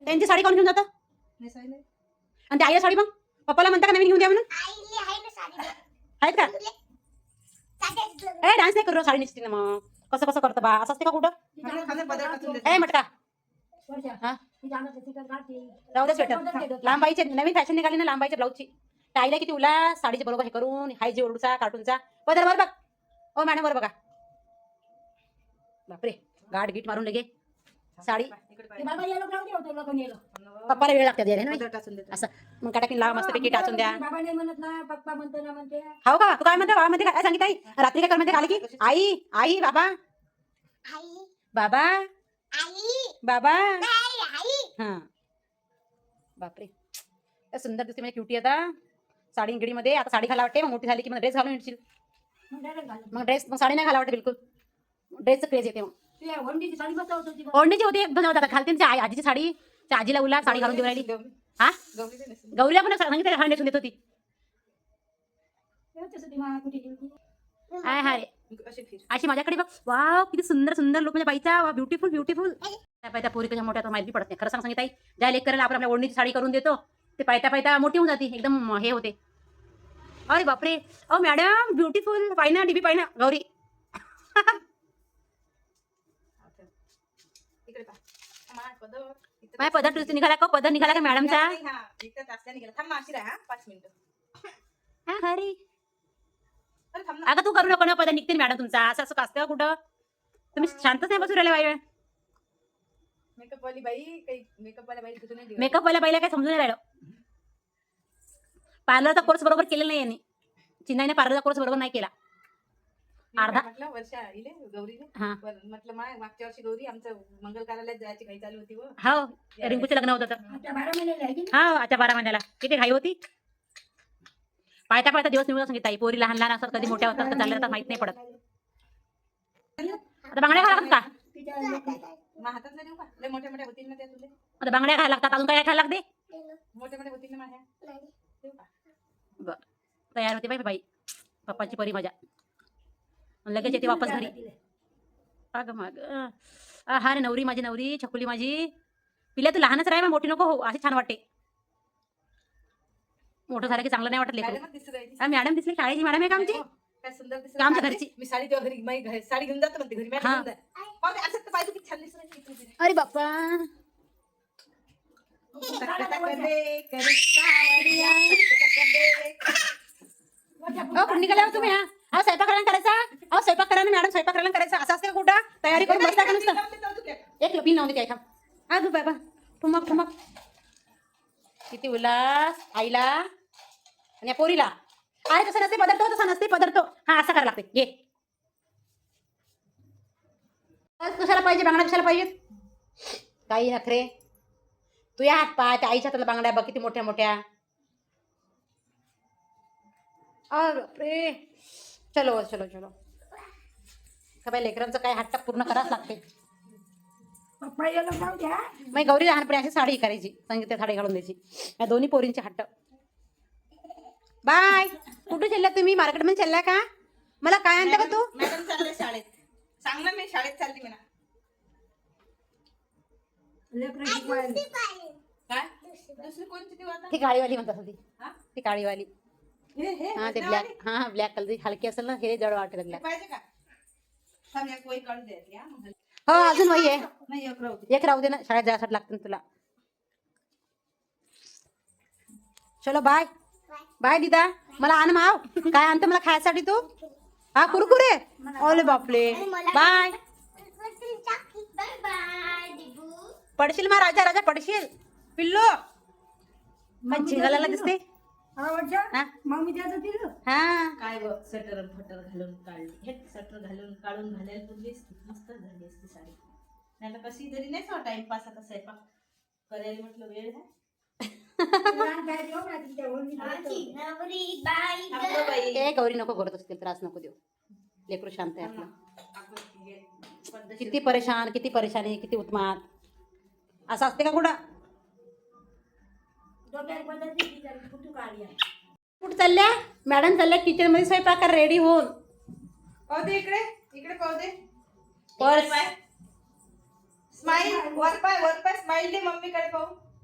त्यांची साडी कोण घेऊन जातं आणि ते आईला साडी मग पप्पाला म्हणता का नवीन घेऊन द्या म्हणून आहेत का ए डान्स नाही करू साडी नेसते ना मग कसं कसं करतं बा असं असते का कुठं ए मटका राहू दे स्वेटर लांबाईचे नवीन फॅशन निघाली ना लांबाईच्या ब्लाऊजची आईला किती उला साडीचे बरोबर हे करून हाय जे ओढूचा कार्टूनचा पदर वर बघ ओ मॅडम वर बघा बापरे गाठ गीट मारून लगे साडी पप्पाला वेळ लागते असं मग काटाकीन लावा मस्त पैकी टाचून द्या हो का तू काय म्हणते बाबा म्हणते काय सांगितलं आई रात्री काय कर म्हणते आली की आई आई बाबा बाबा बाबा हा बापरे सुंदर दिसते म्हणजे क्युटी आता साडी गिडीमध्ये आता साडी घाला वाटते मग मोठी झाली की मग ड्रेस घालून येशील मग ड्रेस मग साडी नाही घाला वाटते बिलकुल ड्रेसचं क्रेज येते मग ओढणीची होती एकदम होता घालते आजीची साडी त्या आजीला उला साडी घालून देऊ राहिली हा गौरीला पण सांगितलं हा नेसून देत होती हाय अशी माझ्याकडे बघ वाव किती सुंदर सुंदर लोक म्हणजे बाईचा वा ब्युटिफुल ब्युटिफुल त्या पोरी कशा मोठ्या माहिती पडत नाही खरं सांगितलं आई ज्या लेक करायला आपण आपल्या ओढणीची साडी करून देतो ते पायता पायता मोठी होऊन जाते एकदम हे होते अरे बापरे ओ मॅडम ब्युटिफुल पाहिना डीबी पाहिना गौरी माझ्या पदर निघाला का पदर निघाला का मॅडमचा हा हरी अगं तू करू नको ना पदर निघते मॅडम तुमचा असं असं असतं का कुठं तुम्ही शांतच नाही बसू राहिले बाई मेकअप वाल्या बाईला काय समजून नाही राहिलं पार्लरचा कोर्स बरोबर केलेला नाही यांनी चिन्हाने पार्लरचा कोर्स बरोबर नाही केला अर्धा मागच्या वर्षी गौरी आमचं मंगल कार्यालयात जायची घाई चालू होती हो रिंकूचं लग्न होतं तर हा आता 12 महिन्याला किती घाई होती पायता पायता दिवस निघून सांगितलं आई पोरी लहान लहान असतात कधी मोठ्या होतात का चालल्या तर माहित नाही पडत आता बांगड्या घाला का हातात देऊ का लय मोठ्या मोठ्या होतील ना त्या तुले आता बांगड्या घाला लागतात अजून काय खायला लागते मोठ्या मोठ्या होतील ना माझ्या देऊ का बर तयार होते बाई बाई पप्पाची परी मजा लगेच येते वापस घरी अगं मग हा रे नवरी माझी नवरी छकुली माझी पिल्या तू लहानच राह मग मोठी नको हो अशी छान वाटते मोठं झालं की चांगलं नाही वाटत लेकरू मॅडम दिसली शाळेची मॅडम आहे का आमची काय सुंदर दिसत आमच्या घरची मी साडी तेव्हा घरी साडी घेऊन जातो म्हणते घरी हा. असं तर पाहिजे किती छान दिसत अरे बाप्पा निघाल्या तुम्ही हा स्वयंपाक करायचा अहो स्वयंपाक करा ना मॅडम स्वयंपाक करायला करायचा असं असते कुठं तयारी करून बसता का नुसतं एक पिन लावून दे हा तू बाबा ठुमक ठुमक किती उल्हास आईला आणि या पोरीला अरे तसं नसते पदार्थ तसा नसते पदार्थ हा असा करायला लागते ये कशाला पाहिजे बांगड्या कशाला पाहिजेत काही नखरे तू या हात पाय त्या आईच्या हाताला बांगड्या बघ किती मोठ्या मोठ्या अरे चलो चलो चलो का बाई लेकरांचं काय हट्ट पूर्ण करावंच लागते मग गौरी लहानपणी अशी साडी करायची सांगितलं साडी घालून द्यायची या दोन्ही पोरींचे हट्ट बाय कुठे चालल्या तुम्ही मार्केटमध्ये चालल्या का मला काय आणता का तू मॅडम चालले शाळेत सांग ना मी शाळेत चालली म्हणा काय दुसरी कोणती ती आता ती काळीवाली म्हणतात ती हा? ती काळीवाली हा ते ब्लॅक हा ब्लॅक कलर हलकी असेल ना हे जड वाटेल ब्लॅक पाहिजे का थांब एक वही काढून द्यायची हा मग हो अजून वही आहे नाही एक राहू दे. एक राहू दे ना शाळेत जायसाठी लागतं ना तुला चलो बाय बाय दीदा मला आण माव काय आणतं मला खायसाठी तू हा कुरकुरे ओले बापले बाय पडशील मा राजा राजा पडशील पिल्लो मग झिंगाला दिसते मग मी त्याचं दिलं हा काय ग स्वेटर फटर घालून काढली हे स्वेटर घालून काढून घालायला पूर्वीच मस्त झाली असती साडी नाही तर कशी तरी नाही सो टाइमपास आता स्वयंपाक करायला म्हटलं वेळ आहे ए गौरी नको करत असतील त्रास नको देऊ लेकरू शांत आहे आपलं किती परेशान किती परेशानी किती उत्मात असं असते का कुठं कुठं चालल्या मॅडम चालल्या किचन मध्ये स्वयंपाक रेडी होऊन पाहू दे इकडे इकडे पाहू दे पर्स स्माईल वर पाय स्माईल दे मम्मीकडे पाहू